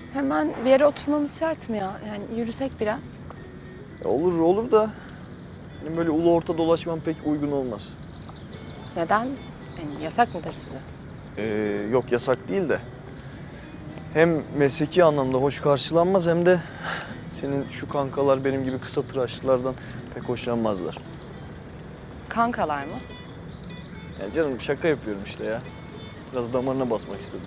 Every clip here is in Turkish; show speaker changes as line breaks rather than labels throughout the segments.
Hemen bir yere oturmamız şart mı ya? Yani yürüsek biraz.
Olur da benim böyle ulu orta dolaşmam pek uygun olmaz.
Neden? Yani yasak mıdır size?
Yok yasak değil de. Hem mesleki anlamda hoş karşılanmaz hem de senin şu kankalar benim gibi kısa tıraşlılardan pek hoşlanmazlar.
Kankalar mı?
Yani canım şaka yapıyorum işte ya. Biraz damarına basmak istedim.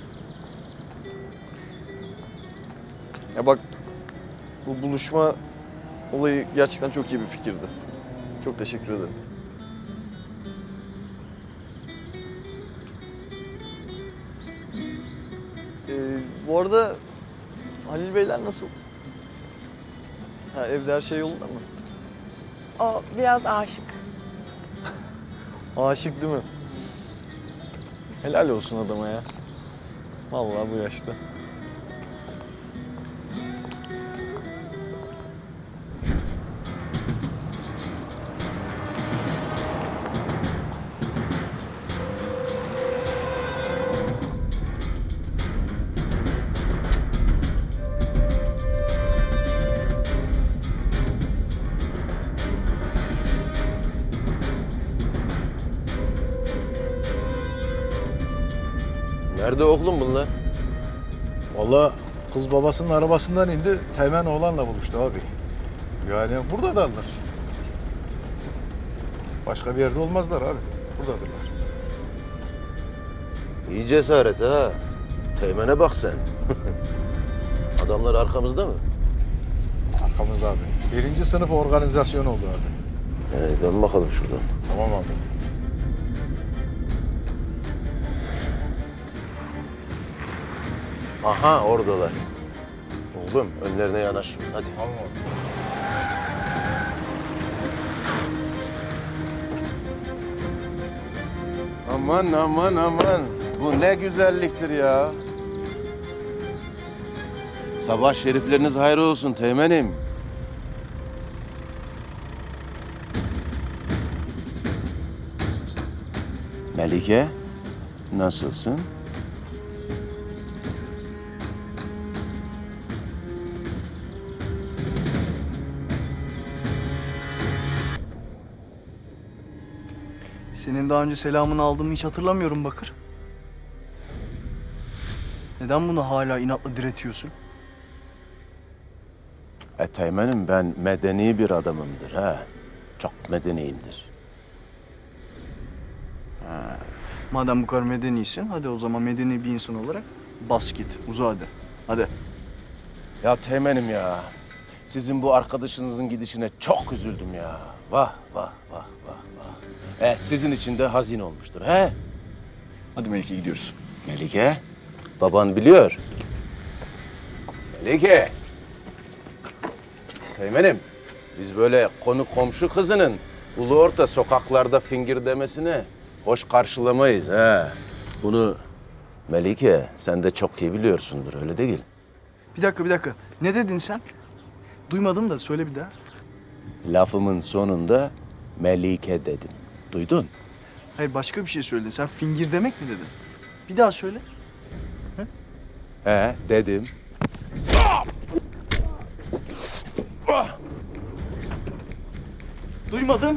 Ya bak bu buluşma olayı gerçekten çok iyi bir fikirdi. Çok teşekkür ederim. Bu arada Halil Beyler nasıl? Ha, evde her şey yolunda mı?
O biraz aşık.
Aşık değil mi? Helal olsun adama ya. Vallahi bu yaşta.
Nerede oğlum bunlar?
Vallahi kız babasının arabasından indi, Teğmen oğlanla buluştu abi. Yani burada darlar. Başka bir yerde olmazlar abi. Buradadırlar.
İyi cesaret ha. Teğmen'e bak sen. Adamlar arkamızda mı?
Arkamızda abi. Birinci sınıf organizasyon oldu abi.
Dön bakalım şuradan.
Tamam abi.
Aha oradalar. Oğlum önlerine yanaş. Hadi.
Tamam abi.
Aman aman aman. Bu ne güzelliktir ya. Sabah şerifleriniz hayır olsun Teğmen'im. Melike, nasılsın?
Senin daha önce selamını aldığımı hiç hatırlamıyorum Bakır. Neden bunu hala inatla diretiyorsun?
Teğmen'im ben medeni bir adamımdır ha. Çok medeniyimdir.
Madem bu kadar medenisin, hadi o zaman medeni bir insan olarak bas git, uza hadi. Hadi.
Ya Teğmen'im ya. Sizin bu arkadaşınızın gidişine çok üzüldüm ya. Vah vah vah vah vah. Sizin için de hazin olmuştur he?
Hadi Melike gidiyoruz.
Melike, baban biliyor. Melike. Teğmen'im, biz böyle konu komşu kızının ulu orta sokaklarda fingir demesine hoş karşılamayız he. Bunu Melike sen de çok iyi biliyorsundur öyle değil.
Bir dakika. Ne dedin sen? Duymadım da söyle bir daha.
Lafımın sonunda Melike dedim. Duydun?
Hayır başka bir şey söyledin. Sen fingir demek mi dedin? Bir daha söyle.
He dedim.
Duymadım.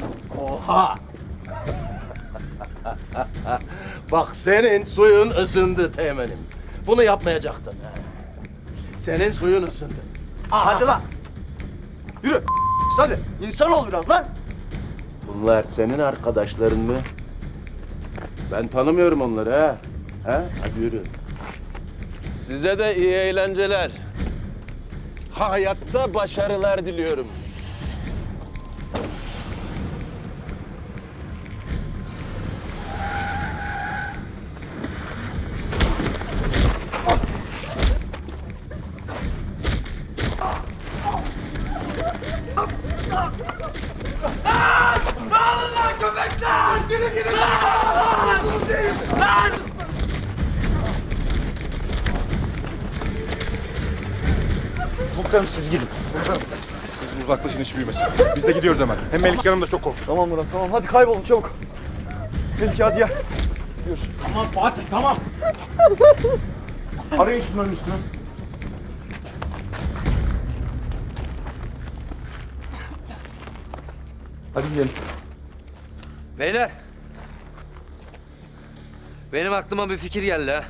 Bak senin suyun ısındı Teğmen'im. Bunu yapmayacaktın. He. Senin suyun ısındı.
Hadi lan. Yürü. Hadi. İnsan ol biraz lan.
Bunlar senin arkadaşların mı? Ben tanımıyorum onları ha. Ha? Hadi yürü. Size de iyi eğlenceler. Hayatta başarılar diliyorum.
Komutanım siz gidin. Komutanım. Siz uzaklaşın iş büyümesin. Biz de gidiyoruz hemen. Hem Melike Hanım da çok korktu.
Tamam Murat tamam hadi kaybolun çabuk. Melike hadi gel.
Tamam Fatih tamam. Arayın şunların üstüne.
Hadi gidelim.
Beyler. Benim aklıma bir fikir geldi ha.